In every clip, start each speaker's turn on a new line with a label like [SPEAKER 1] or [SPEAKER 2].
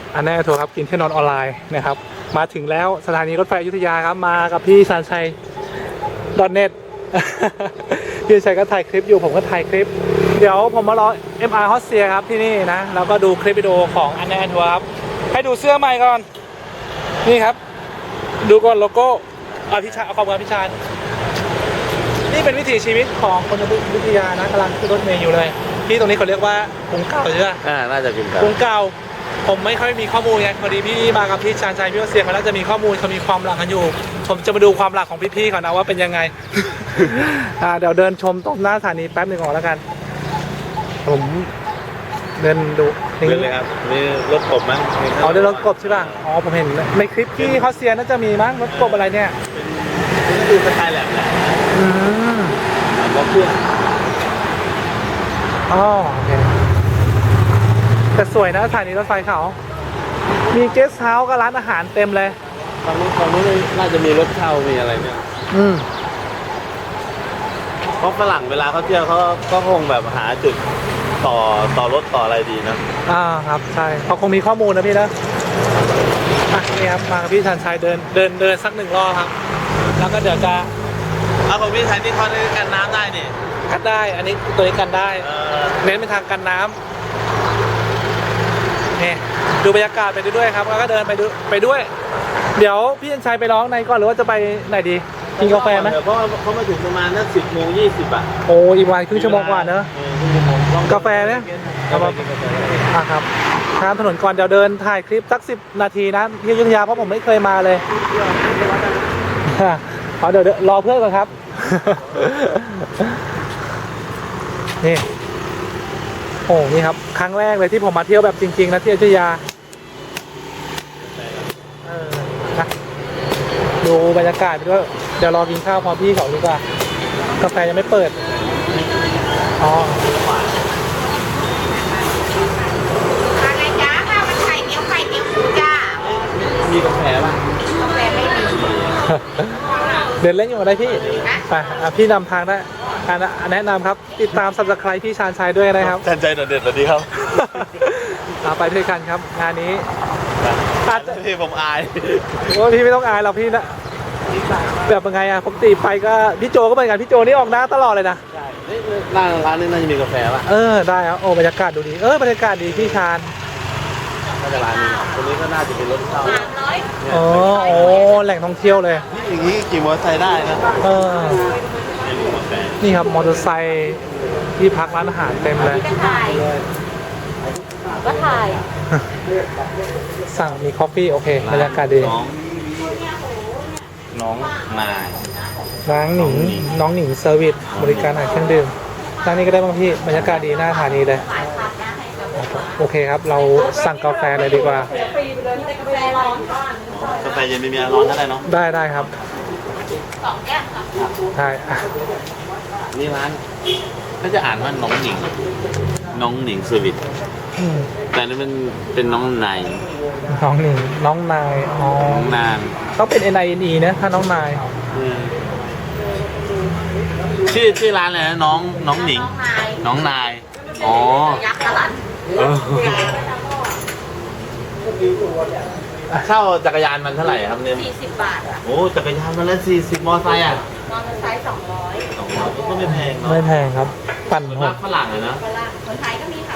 [SPEAKER 1] อันแน่ทัวร์ครับกินที่นอนออนไลน์นะครับมาถึงแล้วสถานีรถไฟอยุธยาครับมากับพี่ชาญชัย.net พี่ชัยก็ถ่ายคลิปอยู่ผมก็ถ่ายคลิปเดี๋ยวผมมารอ MR ฮอสเซียครับที่นี่นะแล้วก็ดูคลิปวิดีโอของอันแน่ทัวร์ครับให้ดูเสื้อใหม่ก่อนนี่ครับดูก่อนโลโก้พี่ชายเอาความกับพี่ชายนี่เป็นวิถีชีวิตของคนอยุธยานะกำลังขึ้นรถเมล์อยู่เลยที่ตรงนี้เขาเรียกว่ากรุงเก่าใช่ไหม
[SPEAKER 2] น่าจะเป็น
[SPEAKER 1] กรุงเก่าผมไม่ค่อยมีข้อมูลไงพอดีพี่มากับพี่ชาญชัยพี่เสียงเขาน่าจะมีข้อมูลเขามีความหลักกันอยู่ผมจะมาดูความหลักของพี่ๆเขานะว่าเป็นยังไง เดี๋ยวเดินชมตรงหน้าสถานีแป๊บหนึ่งก่อนแล้วกันผมเดินดู
[SPEAKER 2] นี่เลยครับมีรถกบมั้ง
[SPEAKER 1] เดินรถกบใช่ป่ะอ๋อผมเห็นในคลิปที่เขาเซียน่าจะมีมั้งรถกบอะไรเนี่ย
[SPEAKER 2] ดูสไตล์แหลมรถเครื่อง
[SPEAKER 1] อ๋อโอเคแต่สวยนะสถานีรถไฟเขามีเกสต์เฮาส์กับร้านอาหารเต็มเลย
[SPEAKER 2] ตอนนี้น่าจะมีรถเช่ามีอะไรเนี่ยเพราะฝรั่งเวลาเขาเที่ยวเขาก็คงแบบหาจุดต่อรถต่ออะไรดีนะ
[SPEAKER 1] ครับใช่เขาคงมีข้อมูลนะพี่นะนี่ครับมากับพี่ชันชัยเดินสัก1 รอบครับแล้วก็เดี๋ยวจะ
[SPEAKER 2] ของพี่ชัยนี่เขาได้กันน้ำได้นี่
[SPEAKER 1] กันได้อันนี้ตัวนี้กันได้เน้นเป็นทางกันน้ำนี่ดูบรรยากาศไปด้วยครับแล้วก็เดินไปด้วยเดี๋ยวพี่ชันชัยไปร้องในก่อนหรือว่าจะไปไหนดีกินกาแฟไหม
[SPEAKER 2] เพราะเขามาถึงประมาณนัก10:20
[SPEAKER 1] โอ้อีกวันครึ่งชั่วโมงกว่าเนอะกาแฟเนี่ยครับข้ามถนนก่อนเดี๋ยวเดินถ่ายคลิปสัก10 นาทีนะที่อยุธยาเพราะผมไม่เคยมาเลยเดี๋ยวรอเพื่อนก่อนครับนี่โอ้นี่ครับครั้งแรกเลยที่ผมมาเที่ยวแบบจริงๆนะที่อยุธยานะดูบรรยากาศไปด้วยเดี๋ยวรอกินข้าวพร้อมพี่เขาดีกว่ากาแฟยังไม่เปิด
[SPEAKER 3] อะไรจ้าข้าวมันไข่เกี๊ยวจ้า
[SPEAKER 2] มีกาแฟป่ะ
[SPEAKER 3] กาแฟไม่มี
[SPEAKER 1] เดินเล่นอยู่อะไรพี่ไปพี่นำทางได้แนะนำครับติดตาม Subscribe พี่ชาญชัยด้วยนะครับ
[SPEAKER 2] ชาญชัยเด็ดสวัสดีครับ
[SPEAKER 1] ไปด้วยกันครับงานนี้
[SPEAKER 2] พี่ผมอาย
[SPEAKER 1] พี่ไม่ต้องอายเราพี่นะแบบยังไงปกติไปก็พี่โจก็เหมือนกันพี่โจนี่ออกหน้าตลอดเลยนะ
[SPEAKER 2] ใช่ร้านนี้น่าจะมีกาแฟป่ะ
[SPEAKER 1] ได้ครับโอ้บรรยากาศดูดีบรรยากาศดีพี่ชาญ
[SPEAKER 2] น่าจะร้านนี้ตรงนี้ก็น่าจะเป็นรถเช่า
[SPEAKER 1] แหล่งท่องเที่ยวเลย
[SPEAKER 2] อย่างนี้ขี่มอเตอร์ไซค์ได้นะ
[SPEAKER 1] นี่ครับมอเตอร์ไซค์ที่พักร้านอาหารเต็มเลย
[SPEAKER 3] ก็ถ่าย
[SPEAKER 1] สั่งมีคอฟฟี่โอเคบรรยากาศดี
[SPEAKER 2] น้องนาย
[SPEAKER 1] น้องหนิงเซอร์วิสบริการอาหารเครื่องดื่มร้านนี้ก็ได้บ้างพี่บรรยากาศดีหน้าสถานีเลยโอเคครับเราสั่งกาแฟเลยดีกว่าก
[SPEAKER 2] าแฟเย็นไม่มีร้อนก็ได้เนาะ
[SPEAKER 1] ได้ครับ
[SPEAKER 3] 2 แก้วค่ะ
[SPEAKER 1] ใช่
[SPEAKER 2] นี่ร้านก็จะอ่านว่าน้องหนิงเซอร์วิสแต่นี่มันเป็นน้องนาย
[SPEAKER 1] น้องหนิงน้องนาย
[SPEAKER 2] น้องนาง
[SPEAKER 1] ต้องเป็น NINE นะถ้าน้องนาย
[SPEAKER 2] ชื่อร้านอะไรนะน้องหนิงน้องนาย
[SPEAKER 3] ยักษ์กะลัน
[SPEAKER 2] เช่าจักรยานมันเท่าไหร่ครับเนี่ย
[SPEAKER 3] 40 บาท
[SPEAKER 2] โอ้จักรยานมันละ40มอไซค์
[SPEAKER 3] มอเตอร์ไซค์200
[SPEAKER 2] ก็ไม่แพงเนาะ
[SPEAKER 1] ไม่แพงครับปั่น
[SPEAKER 2] หกฝรั่งเลยนะ
[SPEAKER 3] คนไทยก็มีค่ะ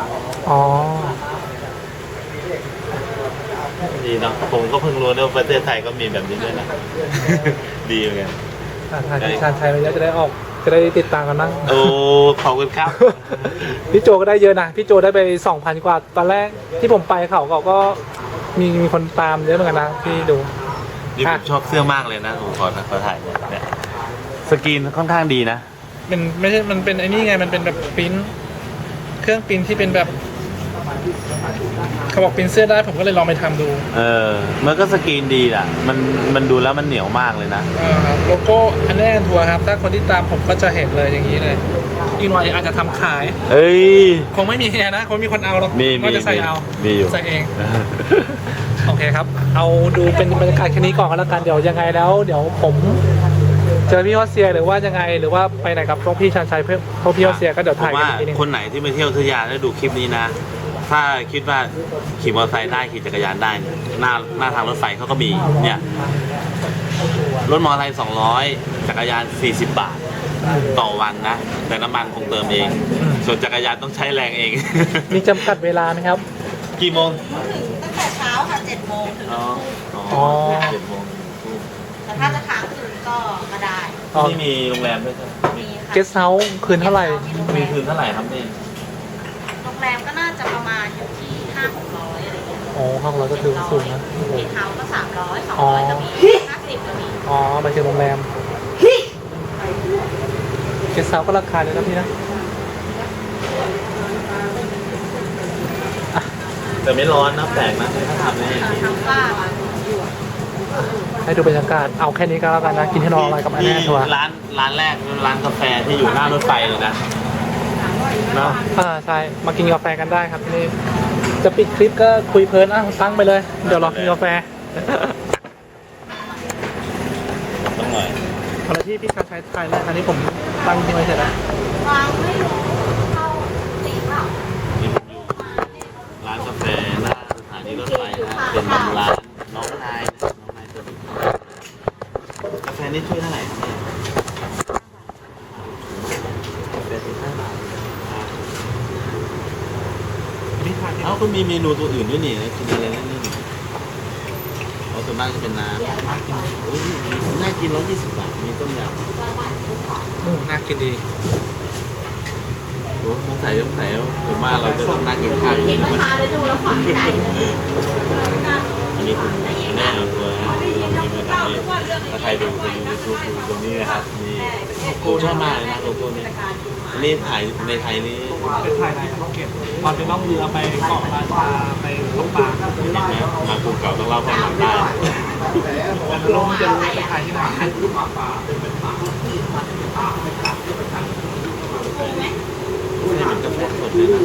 [SPEAKER 2] ดีเนาะผมก็เพิ่งรู้ว่าประเทศไทยก็มีแบบนี้ด้วยนะดีเหมือนกัน
[SPEAKER 1] ทางชาญชัยเราจะได้ติดตามกันบ้าง
[SPEAKER 2] โอ้ขอบคุณครับ
[SPEAKER 1] พี่โจก็ได้เยอะนะพี่โจได้ไป 2,000 กว่าตอนแรกที่ผมไปเขาก็มีคนตามเยอะเหมือนกันนะพี่ดู
[SPEAKER 2] นี่ผมชอบเสื้อมากเลยนะผมขอถ่ายเนี่ยสกรีนค่อนข้างดีนะ
[SPEAKER 1] ไม่ใช่มันเป็นไอ้นี่ไงมันเป็นแบบปริ้นเครื่องปริ้นที่เป็นแบบเขาบอกปริ้นเสื้อได้ผมก็เลยลองไปทำดู
[SPEAKER 2] มันก็สกรีนดีอ่ะมันดูแล้วมันเหนียวมากเลยนะ
[SPEAKER 1] โลโก้อันแน่ทัวร์ครับถ้าคนที่ตามผมก็จะเห็นเลยอย่างนี้เลยอีกหน่อยอาจจะทำขายคงไม่มีนะคงมีคนเอาหรอกก็จะใส่เอาใส่เองโอเคครับเอาดูเป็นบรรยากาศแค่นี้ก่อนก็แล้วกันเดี๋ยวยังไงแล้วเดี๋ยวผมเจอพี่ฮอสเซียหรือว่ายังไงหรือว่าไปไหนกับพวกพี่ชาญชัยเพื่อพวกพี่ฮอสเซียก็เดี๋ยวถ่ายกันอีกทีนึง
[SPEAKER 2] คนไหนที่มาเที่ยวอยุธยาแล้วดูคลิปนี้นะถ้าคิดว่าขี่มอเตอร์ไซค์ได้ขี่จักรยานได้เนี่ยหน้าทางรถไฟเขาก็มีเนี่ยรถมอเตอร์ไซค์200จักรยาน40 บาทต่อวันนะแต่น้ำมันคงเติมเองส่วนจักรยานต้องใช้แรงเอง
[SPEAKER 1] มีจำกัดเวลาไหมครับ
[SPEAKER 2] กี่โมง
[SPEAKER 3] ตั้งแต่เช้าค่ะ7 โมงถึง
[SPEAKER 2] อ๋อ
[SPEAKER 1] อ๋อ
[SPEAKER 2] 7 โมง
[SPEAKER 3] แต่ถ้าจะค้างคืนก็ได้
[SPEAKER 1] อ๋อ
[SPEAKER 2] นี่มีโรงแรมด้วยใช่ไหม
[SPEAKER 3] มีค่ะ
[SPEAKER 1] เกสเฮาส์คืนเท่าไหร่
[SPEAKER 2] มีคืนเท่าไหร่ครับนี่
[SPEAKER 3] โรงแรมก็น่าจะประมาณอยู่ที่500-600อะไรอย่างเงี้ย
[SPEAKER 1] อ๋อห้องเราก็ถือว่าสูงนะโอ้โห
[SPEAKER 3] เฮาส์ก็300
[SPEAKER 1] อ๋อ
[SPEAKER 3] 200ก็มี50ก็มี
[SPEAKER 1] อ๋อไปถึงโรงแรมเกสเฮาส์ก็ราคาเลยนะพี่นะ
[SPEAKER 2] แต่ไม่ร้อนนะแปลกนะถ้าทำนี่
[SPEAKER 3] ทางฝ้าค่ะ
[SPEAKER 1] ให้ดูบรรยากาศเอาแค่นี้ก็แล้วกันนะ กินให้นอนอะไรกับอัน
[SPEAKER 2] นี่
[SPEAKER 1] แน่ทัวร์
[SPEAKER 2] ร้านแรกร้านกาแฟที่อยู่หน้ารถไฟเลยนะเนาะ
[SPEAKER 1] ใช่มากินกาแฟกันได้ครับที่นี่จะปิดคลิปก็คุยเพลินตั้งไปเลย เดี๋ยวรอกินกาแฟ
[SPEAKER 2] ต้องหน่อย
[SPEAKER 1] อะไรที่พี่ชาใช้ไทยแล้วอันนี้ผมตั้งทิ้งไว้เสร็จแล้ว
[SPEAKER 3] วางไม่รู้เข้าตีเปล่า
[SPEAKER 2] นี่ผมอยู่ร้านกาแฟหน้าสถานีรถไฟนะเป็นร้านน้องนายนะน้องนายตัวนี้กาแฟนี่ช่วยเท่าไหร่ครับเนี่ยกาแฟ15 บาท
[SPEAKER 1] นี่ทาน
[SPEAKER 2] เอ้าก็มีเมนูตัวอื่นด้วยนี่นะกินอะไรนั่นนี่เอาส่วนมากจะเป็นน้ำโอ้ยน่ากิน120 บาทมีต้มยำ
[SPEAKER 1] น่ากินดี
[SPEAKER 2] โอ้สงสัยผมว่าเราจะต้องนั่งกินข้าวอยู่
[SPEAKER 3] เห็
[SPEAKER 2] นี่
[SPEAKER 3] น
[SPEAKER 2] นะ
[SPEAKER 3] ราคาเลยดูแล้วฝันใจ
[SPEAKER 2] อันนี้คุณแม่เอาตัวนะกินมาทำนี่ถ้าใครดูไปดูยูทูบดูตรงนี้นะครับนี่โก้ชอบมากเลยนะโกโก้นี่อันนี้ถ่ายในไทยนี่
[SPEAKER 1] เป็นไทยในภูเก็ตตอนไปล่องเรือไปเกาะราชาไปตกปลา
[SPEAKER 2] เห็นไหมมาภูเก่าต้องเล่าความหลังได้
[SPEAKER 1] ลงจะรู้ไปถ่ายที่ไหน
[SPEAKER 2] นี่เป็นกาแฟสดเลยนะ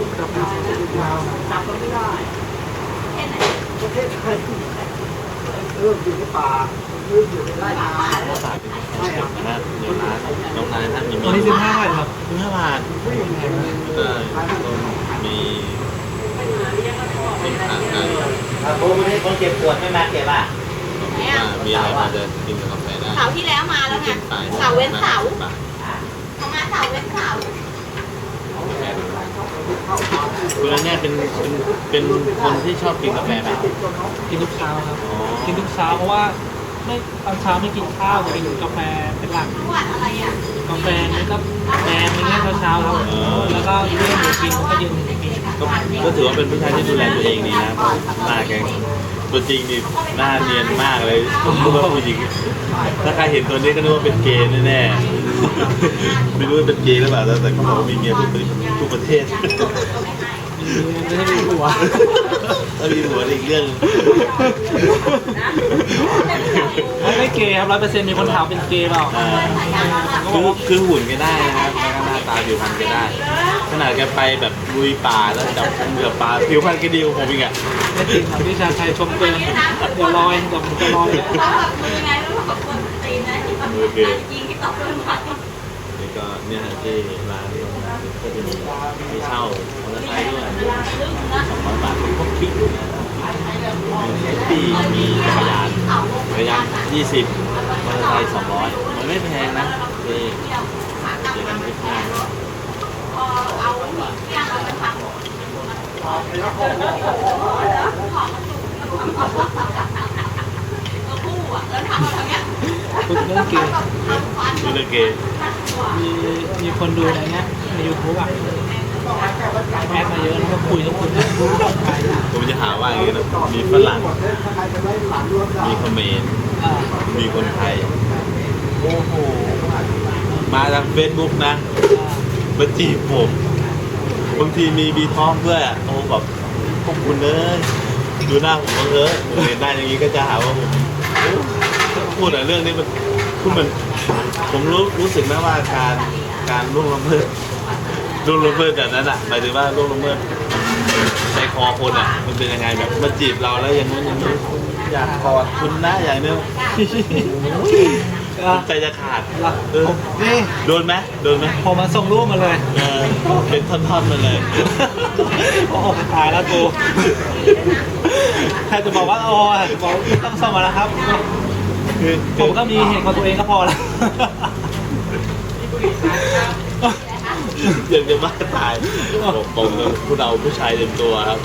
[SPEAKER 2] ข้าวสารเป็นกาแฟสดนะเดี๋ยวร้านน้องนายท่านมี
[SPEAKER 1] วันนี้15 บาทครับ
[SPEAKER 2] 15 บาทมีผักนะ
[SPEAKER 4] ผมไม่ได้คนเจ็บปวดไม่มาเก็บอ่ะ
[SPEAKER 2] มีอะไรมาจะกินกับกาแฟได้
[SPEAKER 3] เสาร์ที่แล้วมาแล้วไงเสาร์เว้นเสาร์เขามาเสาร์เว้นเสาร์
[SPEAKER 2] คุณอันเนี่ยเป็นคนที่ชอบกินกาแฟไหม
[SPEAKER 1] กินทุกเช้าครับ
[SPEAKER 2] อ๋อ
[SPEAKER 1] กินทุกเช้าเพราะว่าไม่ตอนเช้าไม่กินข้าวจะกินกาแฟเป็นหลัก
[SPEAKER 3] จังหวัดอะไรอ่ะ
[SPEAKER 1] กาแฟนี่ก็แดงอะไรเงี้ยเช้าๆครับแล้วก็เรื่องหมูกินผมก็ยืนกิน
[SPEAKER 2] ก็ถือว่าเป็นผู้ชายที่ดูแลตัวเองดีนะเพราะหน้าแกตัวจริงนี่หน้าเนียนมากเลยรู้ว่าผู้หญิงถ้าใครเห็นตัวนี้ก็นึกว่าเป็นเกย์แน่ๆไม่รู้ว่าเป็นเกย์หรือเปล่าแต่เขาบอกว่ามีเมียทุกประเทศ
[SPEAKER 1] ไม่ได้มีหัว
[SPEAKER 2] ถ้ามีหัวอีกเรื่อง
[SPEAKER 1] ไม่เกย์ครับ100%มีคนถามเป็นเกย์เปล่า
[SPEAKER 2] คือหุ่นแกได้นะครับแล้วก็หน้าตาผิวพรรณแกได้ขนาดแกไปแบบลุยป่าแล้วจับเหลือปลาผิวพรรณแกดีกว่าผมอีกอ่ะ
[SPEAKER 1] ไม่จริงครับพี่ชาชัยชมเกินเดี๋ยวลอยเดี๋ยวผมจะลอย
[SPEAKER 3] เขาแบบมือไงรู้ว่าคนตีนนะที่แบบยิงที่ตกลงไป
[SPEAKER 2] นี่ก็เนี่ยที่ร้านก็จะมีเช่ามอเตอร์ไซค์ด้วย200 บาทพวกคลิกนะมีปีมีจักรยาน20มอเตอร์ไซค์200มันไม่แพงนะนี่เจอกันคลิปหน้า
[SPEAKER 3] เอาที่เราไปทำคู่อ่ะแล้วทำอะไรเงี้ย
[SPEAKER 1] พูดเรื่องเกย์
[SPEAKER 2] ดูเลยเกย์
[SPEAKER 1] มีคนดูอะไรเงี้ยใน YouTube อ่ะแอดมาเยอะแล้วก็คุยทุกคน
[SPEAKER 2] ผมจะหาว่าอย่างนี้นะมีฝรั่งมีเขมรมีคนไทยโอ้โหมาทางเฟซบุ๊กนะมาจีบผมบางทีมีบีท้องด้วยอ่ะโอ้แบบขอบคุณเลยดูหน้าผมบ้างเถอะผมเห็นหน้าอย่างนี้ก็จะหาว่าผมโอ้พูดแต่เรื่องนี้มันคือมันผมรู้สึกนะว่าการล่วงละเมิดแบบนั้นอ่ะหมายถึงว่าล่วงละเมิดใจคอคนอ่ะมันเป็นยังไงแบบมาจีบเราแล้วอย่างนู้นอย่างนี้อยากกอดคุณนะอย่างนี้ใจจะขาด
[SPEAKER 1] นี่
[SPEAKER 2] โดนไหม
[SPEAKER 1] พอมาส่งรูปมาเลย
[SPEAKER 2] เป็นท่อนๆมาเลย
[SPEAKER 1] โอ้ตายแล้วกูแค่จะบอกว่าโอ้บอกต้องส่งมาแล้วครับ ผมก็มีเหตุของตัวเองก็พอแล้ว
[SPEAKER 2] อยากจะบ้าตายผมผู้เราผู้ชายเต็มตัวครับ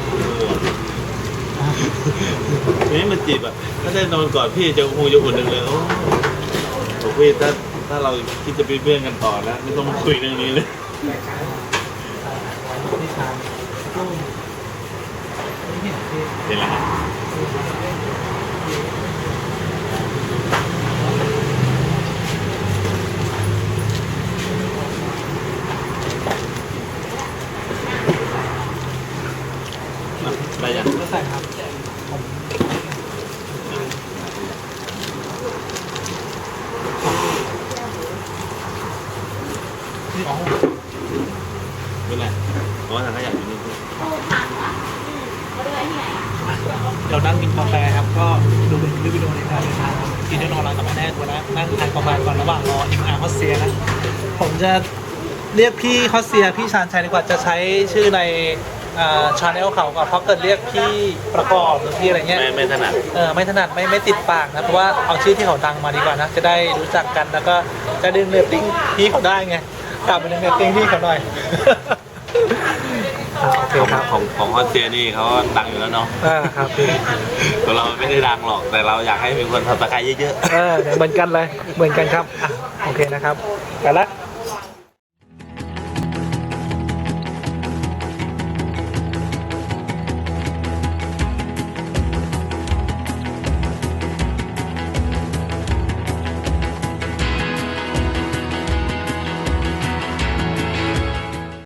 [SPEAKER 2] นี่มันจีบอ่ะถ้าได้นอนก่อนพี่จะคงจะอุ่นเลยโอ้บอกพี่ถ้าเราคิดจะเป็นเพื่อนกันต่อนะไม่ต้องมาคุยเรื่องนี้เลยเป็นไรครับได้ยัง
[SPEAKER 1] ไม่ใส่ครับนี่อ๋อ
[SPEAKER 2] ไม่เป็นไรเพราะว่าทางขยะอยู่นี่
[SPEAKER 1] เดี๋ยวนั่งกินกาแฟครับ ก็ดูเป็นคลิปวิดีโอในการเดินทางกินได้นอนหลังกับแม่แน่ตัวนะนั่งทานกาแฟก่อนระหว่างรออิมอาร์ฮอสเซียนะ ผมจะเรียกพี่ฮอสเซียพี่ชาญชัยดีกว่าจะใช้ชื่อในชาแนลเขาก่อนเพราะเกิดเรียกพี่ประกอบหรือพี่อะไรเงี้ย
[SPEAKER 2] ไม่ถนัด
[SPEAKER 1] ไม่ถนัดไม่ติดปากนะเพราะว่าเอาชื่อที่เขาดังมาดีกว่านะจะได้รู้จักกันแล้วก็จะดึงเรตติ้งพี่เขาได้ไงกลับไปดึงเรตติ้งพี่เขาหน่อย โอเคครับ
[SPEAKER 2] ของฮอตเซียนี่เขาดังอยู่แล้วเนาะ
[SPEAKER 1] ครับพี่
[SPEAKER 2] ตัวเราไม่ได้ดังหรอกแต่เราอยากให้มีคนทำตะไคร้เยอะๆ
[SPEAKER 1] เหมือนกันเลยเหมือนกันครับโอเคนะครับไปละ